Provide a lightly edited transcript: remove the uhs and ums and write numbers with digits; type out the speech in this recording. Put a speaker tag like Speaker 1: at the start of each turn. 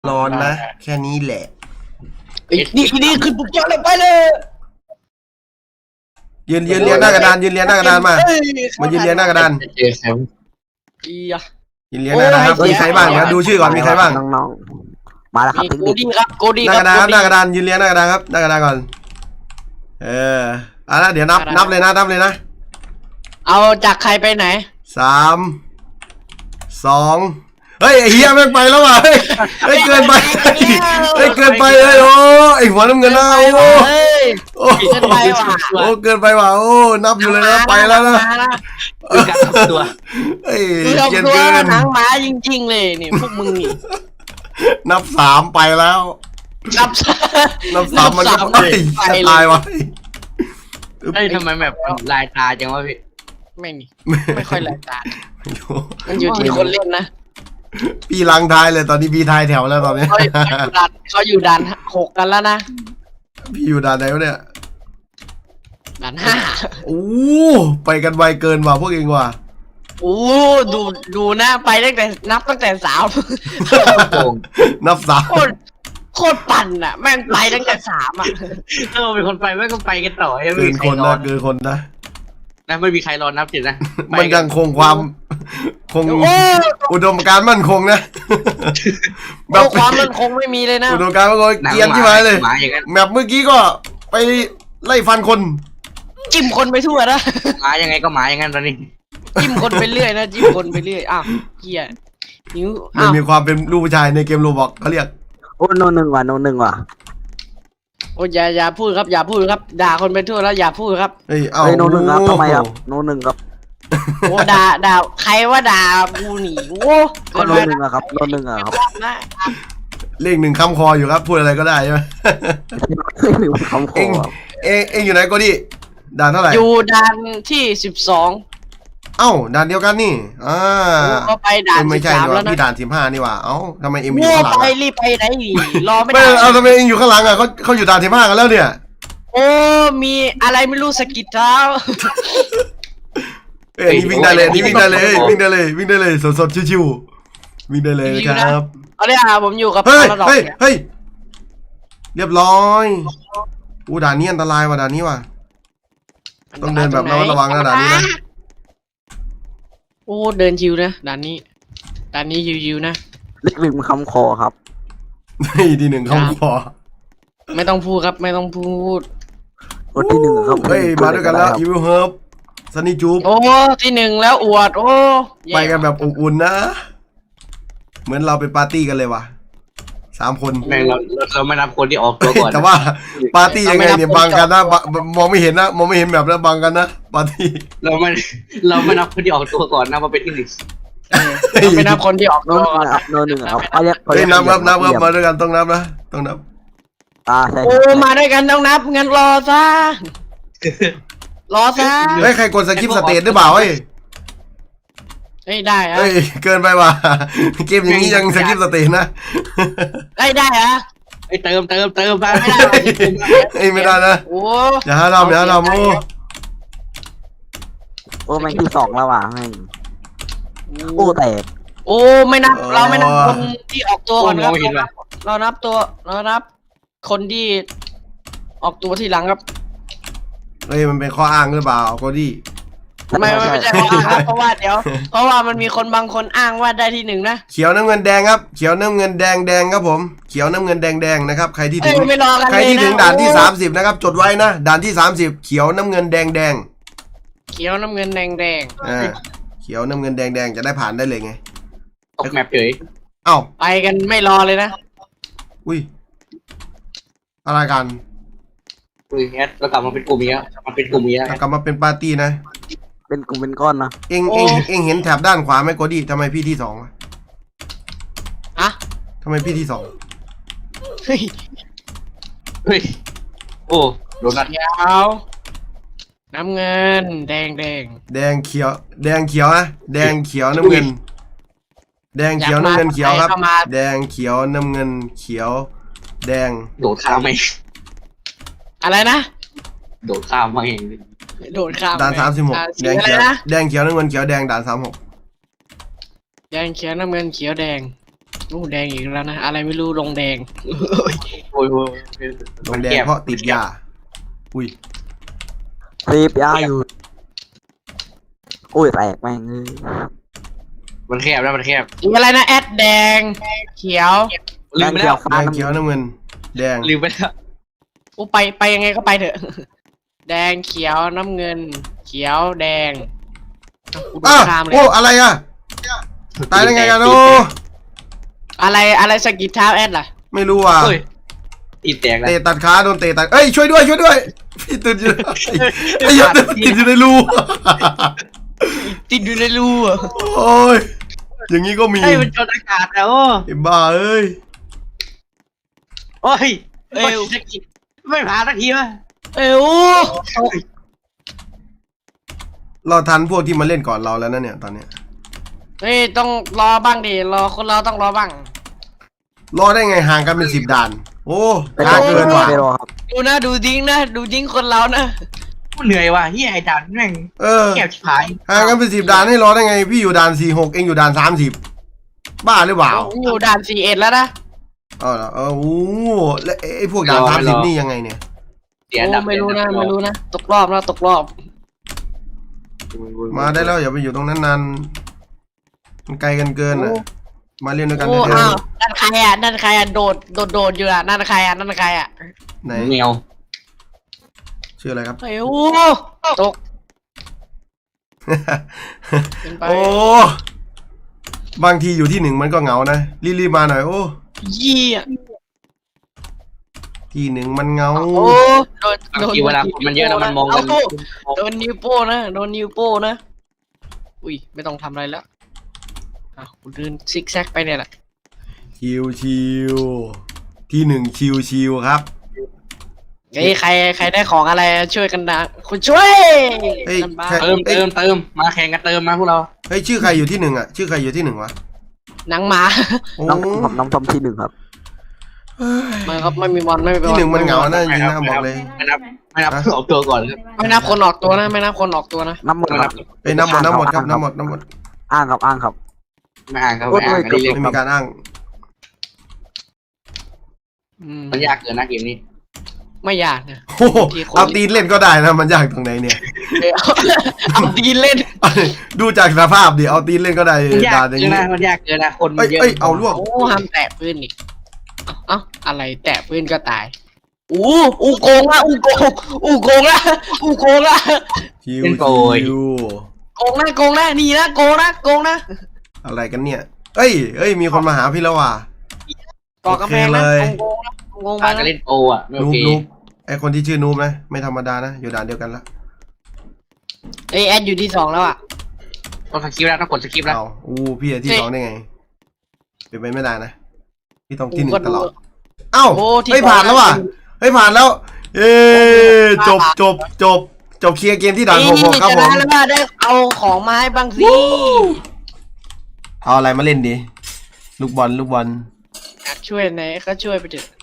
Speaker 1: ร้อนนะแค่นี้แหละ
Speaker 2: นี่คือปุกยอดเลยไปเลย
Speaker 1: ยืนเรียนหน้ากระดานยืนเรียนหน้ากระดานมายืนเรียนหน้ากระดาน
Speaker 3: เจอใคร
Speaker 2: อีอะ
Speaker 1: ยืนเรียนหน้ากระดานครับมีใครบ้างนะดูชื่อก่อนมีใครบ้าง
Speaker 4: น้องๆมาแล้วครับ
Speaker 2: มี
Speaker 4: เทค
Speaker 2: โก
Speaker 4: นิค
Speaker 2: ดี้ครับโกดี้
Speaker 1: หน้ากระดานครับหน้ากระดานยืนเรียนหน้ากระดานครับหน้ากระดานก่อนละเดี๋ยวนับเลยนะ
Speaker 2: เอาจากใครไปไหน
Speaker 1: 3 2เฮ้ยไอ้เฮียแม่งไปแล้วว่ะเฮ้ยเกินไปเกินไปเลยโอ้ไอ้หัวน้ำเงินนะโอ้
Speaker 2: เฮ้ย
Speaker 1: โอ้
Speaker 2: เกินไปว่ะ
Speaker 1: โอ้เกินไปว่ะโอ้นับอยู่เลยนะไปแล้วนะ
Speaker 3: คือการทำตัว
Speaker 1: เฮ้ย
Speaker 2: คือเอา
Speaker 1: เกิน
Speaker 2: ตัว
Speaker 1: เกิน
Speaker 2: หนังหมาจริงๆเลยนี่พวกมึงนี่
Speaker 1: นับ3ไปแล้ว
Speaker 2: นับ
Speaker 1: นับ3มันก็ไปจะตายว่ะ
Speaker 3: เฮ้ยทำไมแบบลายตาจังวะพี่
Speaker 2: ไม่นี่ไม่ค่อยแหลกตามันอยู่ที่คนเล่นนะ
Speaker 1: พี่ลังทายเลยตอนนี้พี่ทายแถวแล้วตอนนี้
Speaker 2: เขาอยู่ด่าน6กันแล้วนะ
Speaker 1: พี่อยู่ด่านไหนวะเนี่ย
Speaker 2: ด่าน5
Speaker 1: โอ้ไปกันไวเกินว่ะพวกเองว่ะ
Speaker 2: โอ้ดูนะไปตั้งแต่นับตั้งแต่3
Speaker 3: โป่ง
Speaker 1: นับ3
Speaker 2: โคตรปั่นอ่ะแม่งไปตั้งแต่3อ่ะ
Speaker 3: ถ้าเราเป็นคนไปไม่ก็ไปกันต่อไม่
Speaker 1: เกิ
Speaker 3: มี
Speaker 1: น
Speaker 3: ใค
Speaker 1: ค
Speaker 3: ร
Speaker 1: น
Speaker 3: รอ
Speaker 1: นะเกินคนนะ
Speaker 3: นะไม่มีใครรอนับจิตนะ
Speaker 1: มันยังคงความคง
Speaker 2: โอ้
Speaker 1: อุดมการณ์มั่นคงนะแบ
Speaker 2: โอ้
Speaker 1: บ
Speaker 2: ความมันคงไม่มีเลยนะ
Speaker 1: อุดมการณ์มั่นคงเกรียนที่มาเลย
Speaker 3: หมาอย่างนั้น
Speaker 1: แมปเมื่อกี้ก็ไปไล่ฟันคน
Speaker 2: จิ้มคนไปทั่วนะ
Speaker 3: หมายังไงก็หมาอย่างนั้นตอนนี้
Speaker 2: จิ้มคนไปเรื่อยนะจิ้มคนไปเรื่อยอ้าวเหี้ยนิ้ว
Speaker 1: มัน
Speaker 2: อ้าว
Speaker 1: มีความเป็นลูกผู้ชายในเกมโรบอกเขาเรียก
Speaker 4: โอ้โนหนึ่งว่ะ
Speaker 2: โอ้อย่าพูดครับอย่าพูดครับด่าคนไปทั่วแล้วอย่าพูดครับ
Speaker 1: เฮ้ยเอา
Speaker 4: เฮ้ยโนหนึ่งครับทำไมครับโนหนึ่งครับ
Speaker 2: โอ้ด่าใครว่าด่ากูหนีโอ้
Speaker 4: ก็โนหนึ่งอะครับโนหนึ่งอะครับ
Speaker 2: นะ
Speaker 1: เลข1คำคออยู่ครับพูดอะไรก็ได้ใช่ไหม
Speaker 4: หนึ่งคำข
Speaker 1: เอ
Speaker 4: อง
Speaker 1: เองอยู่ไหนก็ดิด่านเท่าไหร่
Speaker 2: อยู่ด่านที่12
Speaker 1: เอ้าด่านเดียวกันนี่
Speaker 2: ก็ไปด่าน
Speaker 1: ไม่ใช่
Speaker 2: 13
Speaker 1: นี่
Speaker 2: แล้ว
Speaker 1: ว่า
Speaker 2: นะ
Speaker 1: พี่ด่าน15นี่ว่าเอ้าทำไมเอ็มอยู่
Speaker 2: โอ้
Speaker 1: ข้างหลัง
Speaker 2: ไป
Speaker 1: อะ
Speaker 2: รีบไปไหนหนีรอไม่
Speaker 1: ไม่
Speaker 2: ได้
Speaker 1: เอาทำไมเองอยู่ข้างหลังอ่ะเขาอยู่ด่าน15กันแล้วเนี่ย
Speaker 2: โอ้มีอะไรไม่รู้สะกิดเท้า
Speaker 1: เอ้ยนี่วิ่งได้เลยนี่วิ่งได้เลยสดๆชิวๆวิ่งได้เลยนะครับ
Speaker 2: เอาเลยผมอยู่กับ
Speaker 1: เฮ้ย
Speaker 2: พาราดอก
Speaker 1: เฮ้ย
Speaker 2: เนี่ย
Speaker 1: เฮ้ยเรียบร้อยอู้ด่านนี้อันตรายว่ะด่านนี้ว่ะต้องเดินแบบระมัดระวังนะด่านนี้นะ
Speaker 2: โอ้เดินชิวนะด่านนี้ชิวๆนะ
Speaker 4: เลขหนึ่งคำคอครับ
Speaker 1: นี่ที่1เข้าคอ
Speaker 2: ไม่ต้องพูดครับไม่ต้องพูด
Speaker 4: โอ้ที่หนึ่งครับ
Speaker 1: เฮ้ยมาด้วยกันแล้วอีวิลเฮิร์บซันนี่จูบ
Speaker 2: โอ้ที่1แล้วอวดโอ้แย่
Speaker 1: ไปกันแบบอบอุ่นนะ เหมือนเราเป็นปาร์ตี้กันเลยว่ะ3 คน
Speaker 3: แม่งเราไม่นับคนที่ออกตัวก่อน
Speaker 1: แต่ว่าปาร์ตี้ยังไงเนี่ยบังกันนะมองไม่เห็นนะมองไม่เห็นแบบแล้วบังกันนะปาร์ตี้
Speaker 3: เราไม่นับคนที่ออกตัวก่อนนะมาเป็นที่
Speaker 2: เราไม่นับคนที่ออก
Speaker 4: โน
Speaker 2: ตัว
Speaker 4: หนึ่งครับโนหนึ่งครับเขาเรียก
Speaker 1: เฮ้ยนับครับมาด้วยกันต้องนับนะต้องนับ
Speaker 4: ใช่
Speaker 2: โอ้มาด้วยกันต้องนับงั้นรอซะ
Speaker 1: เฮ้ยใครกดสกิปสเตทหรือเปล่าเฮ้ย
Speaker 2: เฮ้ยได้ฮะ
Speaker 1: เฮ้ยเกินไปว่ะเกมอย่างนี้ยังสกิปสเตทนะ
Speaker 2: ได้ฮะ
Speaker 3: ไอ้เติมไป
Speaker 1: เฮ้ยไม่ได้นะ
Speaker 2: โอ้
Speaker 1: อย่าหาทำโอ้
Speaker 4: โอ้แม่งที่สองแล้วว่ะแม่งโอ้แตก
Speaker 2: โอ้ไม่นับเราไม่นับคนที่ออกตัวก่อนครับเรานับคนที่ออกตัวทีหลังครับ
Speaker 1: เฮ้ยมันเป็นข้ออ้างหรือเปล่าโกดี้
Speaker 2: ไม่ใช่ข้ออ้างครับเพราะว่ามันมีคนบางคนอ้างว่าได้ที่1นะ
Speaker 1: เขียวน้ำเงินแดงครับเขียวน้ำเงินแดงครับผมเขียวน้ำเงินแดงนะครับใครที่ถึง
Speaker 2: ไม่รอกัน
Speaker 1: ใคร
Speaker 2: เลย
Speaker 1: ที่
Speaker 2: นะ
Speaker 1: ถึงด่านที่30นะครับจดไว้นะด่านที่30เขียวน้ำเงินแดง
Speaker 2: เขียวน้ำเงินแดง
Speaker 1: เขียวน้ำเงินแดงจะได้ผ่านได้เลยไง
Speaker 3: ตกแมปเฉย
Speaker 1: เอ้า
Speaker 2: ไปกันไม่รอเลยนะ
Speaker 1: อุ้ยอะไรกัน
Speaker 3: คือแอดเรากลับมาเป็นกลุ่มนี้มาเป็นกลุ่มนี้
Speaker 1: กลับมาเป็นปาร์ตี้นะ
Speaker 4: เป็นกลุ่มเป็นก้อนนะ
Speaker 1: เอ็งเห็นแถบด้านขวาไหมโกดี้ทำไมพี่ที่2วะ
Speaker 2: อะ
Speaker 1: ทำไมพี่ที่2
Speaker 2: เฮ้ย
Speaker 3: เฮ้ยโอ้โดนัท
Speaker 2: เขียวน้ำเงินแดง
Speaker 1: แดงเขียวนะแดงเขียวน้ำเงินแดงเขียวน้ำเงินเขียวครับแดงเขียวน้ำเงินเขียวแดง
Speaker 3: โดดข้ามไหม
Speaker 2: อะไรนะ
Speaker 3: โดดข้ามมาเอง
Speaker 2: โดดข้าม
Speaker 1: ด่าน36
Speaker 2: สีอะไรนะ
Speaker 1: แดงเขียวน้ำเงินเขียวแดงด่าน36
Speaker 2: แดงเขียวน้ำเงินเขียวแดงโอ้แดงอีกแล้วนะอะไรไม่รู้ลงแดง
Speaker 3: โอ้ย
Speaker 1: ลงแดงเพราะติดยาอุ้ย
Speaker 4: ตีบยาอยู่อุ้ยแตกแม่งเลย
Speaker 3: มันแคบแล้วมันแคบ
Speaker 2: อีกอะไรนะแอดแดงเขียว
Speaker 3: ลืมไปแล้ว
Speaker 1: แดงเขียวน้ำเงินแดง
Speaker 3: ลืมไปแล้ว
Speaker 2: กูไปยังไงก็ไปเถอะ แดงเขียวน้ำเงิน เขียวแดงกูโดนข้ามเลย
Speaker 1: โอ้อะไรอ่ะตายได้ไงกันโอ้
Speaker 2: อะไรสกิดเท้าแอดล่ะ
Speaker 1: ไม่รู้อ่ะ
Speaker 3: เฮ้ยตีแตกแล้ว
Speaker 1: เตะตัดขาโดนเตะตัดเอ้ยช่วยด้วยพี่ติดอยู่ไอ้ยัดติดอยู่ในรู
Speaker 2: ติดอยู่ในรูอ่ะ
Speaker 1: โอ้ยอย่างนี้ก็มี
Speaker 3: เฮ้ยมันจนอากาศแล้ว
Speaker 1: ไอ้บ้าเอ้ย
Speaker 3: โอ้ยสกิดไม่ผ่านสักทีวะ
Speaker 2: เอ้ว
Speaker 1: เราทันพวกที่มาเล่นก่อนเราแล้วนะเนี่ยตอนเนี้ย
Speaker 2: เฮ้ยต้องรอบ้างดิรอคนเราต้องรอบ้าง
Speaker 1: รอได้ไงห่างกันเป็น10 ด่าน โอ้
Speaker 4: ไปร
Speaker 1: ช้า
Speaker 4: อ
Speaker 1: เกินว่ะ
Speaker 4: ไปรอครับ
Speaker 2: ดูนะดูดิ้งนะดูดิ้งคนเรานะ
Speaker 3: เหนื่อยว่ะเฮียไอ้ด่านแม่ง
Speaker 1: เออ
Speaker 3: แคบชิบหาย
Speaker 1: ห่างกันเป็น10 ด่านให้รอได้ไงพี่อยู่ด่าน46เองอยู่ด่าน30บ้าหรือเปล่า
Speaker 2: อยู่ด่าน41แล้วนะ
Speaker 1: เอาเหรอโอ้โหแล้วไอ้พวกด่าน30นี่ยังไงเนี่ย
Speaker 3: เสียอันดับ
Speaker 2: ไม่รู้นะตกรอบแล้วตกรอบ
Speaker 1: มาได้แล้วอย่าไปอยู่ตรงนั้นนานมันไกลกันเกินอ่ะมาเล่นด้วยกัน
Speaker 2: โอ้
Speaker 1: เถ
Speaker 2: อ้าว
Speaker 1: อะ
Speaker 2: นั่นใครอ่ะโดดอยู่อ่ะนั่นใครอ่ะ
Speaker 1: ไหน
Speaker 3: แมว
Speaker 1: ชื่ออะไรครับ
Speaker 2: เฮ้ยโอ้ตกเป็นไป
Speaker 1: โอ้บางทีอยู่ที่1มันก็เหงานะรีบๆมาหน่อยโอ้
Speaker 2: ยี่อ่ะ
Speaker 1: ที่1มันเหงา
Speaker 2: โอ้โดน
Speaker 3: เวลาคนมันเยอะแล้วมันมองกัน
Speaker 2: โดนนิ้วโป้นะโดนนิ้วโป้นะอุ้ยไม่ต้องทำอะไรแล้วอ่ะกูเดินซิกแซกไปเนี่ยแหละ
Speaker 1: ชิวที่1ชิวครับ
Speaker 2: เฮ้ยใครได้ของอะไรช่วยกันนะคุณช่วย
Speaker 1: เฮ้ย
Speaker 2: กันบ้าง
Speaker 1: ใคร
Speaker 3: เติมมาแข่งกันเติมมาพวกเรา
Speaker 1: เฮ้ยชื่อใครอยู่ที่1อ่ะชื่อใครอยู่ที่1วะ
Speaker 2: หนังหมา
Speaker 1: โอ้
Speaker 4: น้องผมน้องทอมที่1ครับ
Speaker 2: มันครับไม่มีบอลไม่มีบอล
Speaker 1: ที่1มันเหงานะจริงๆนะบอกเลย
Speaker 3: ไม่นับออกตัวก่อนครับ
Speaker 2: ไม่นับคนออกตัวนะไม่นับคนออกตัวนะ
Speaker 4: น้ำหมด
Speaker 3: ไม่
Speaker 4: ค
Speaker 3: นั
Speaker 4: รั
Speaker 3: บบ
Speaker 1: เอ้ยน้ำหมดครับน้ำหมด
Speaker 4: อ้างครับ
Speaker 3: ไม่อ่านครับไม่อ่านอันนี้เรียก
Speaker 1: ไม่มีการอ้าง
Speaker 3: มันยากเกินนะเกมนี้
Speaker 2: ไม่ยากนะ
Speaker 1: โอ้โหเอาตีนเล่นก็ได้นะมันยากตรงไหนเนี่ย
Speaker 2: เอาตีนเล่น
Speaker 1: ดูจากสภาพดิเอาตีนเล่นก็ได้
Speaker 3: มันยาก
Speaker 1: ด่าอย่าง
Speaker 3: เกิน
Speaker 1: นี้
Speaker 3: นะมันยากเกินนะคนมันเยอะ
Speaker 1: เอ้ยเอาลวก
Speaker 2: โอ้ห้ามแตะปืนอีกเอ้าอะไรแตะปืนก็ตายอู้โกงละอู้โกงละ
Speaker 1: ชิว
Speaker 2: โกงนะนี่นะโกงนะ
Speaker 1: อะไรกันเนี่ยเอ้ยมีคนมาหาพี่แล้วว่ะ
Speaker 2: ก่อกำแพงนะโกงไป
Speaker 3: การ
Speaker 2: นะ
Speaker 3: เล่นโออ่ะไม่โอ
Speaker 1: นูบ
Speaker 3: เค
Speaker 1: ไอคนที่ชื่อนูบนะไม่ธรรมดานะอยู่ด่านเดียวกันละ
Speaker 2: เอ้ยแอดอยู่ที่2แล้วอ่ะ
Speaker 3: ต้องสกิปแล้วต้องกดสกิปแล้ว
Speaker 1: เอาพี่ที่ 2ได้ไงเป็นไปไม่ได้นะพี่ต้องที่1ตลอดเอ้าเฮ้ยผ่านแล้วว่ะเฮ้ยผ่านแล้วเอ้จบเคลียร์เกมที่ด่าน66ครับผม
Speaker 2: แล้วว่าได้เอาของมาให้บ้างสิ
Speaker 1: เอาอะไรมาเล่นดีลูกบอล
Speaker 2: อยากช่วยไหนก็ช่วยไปเถอะ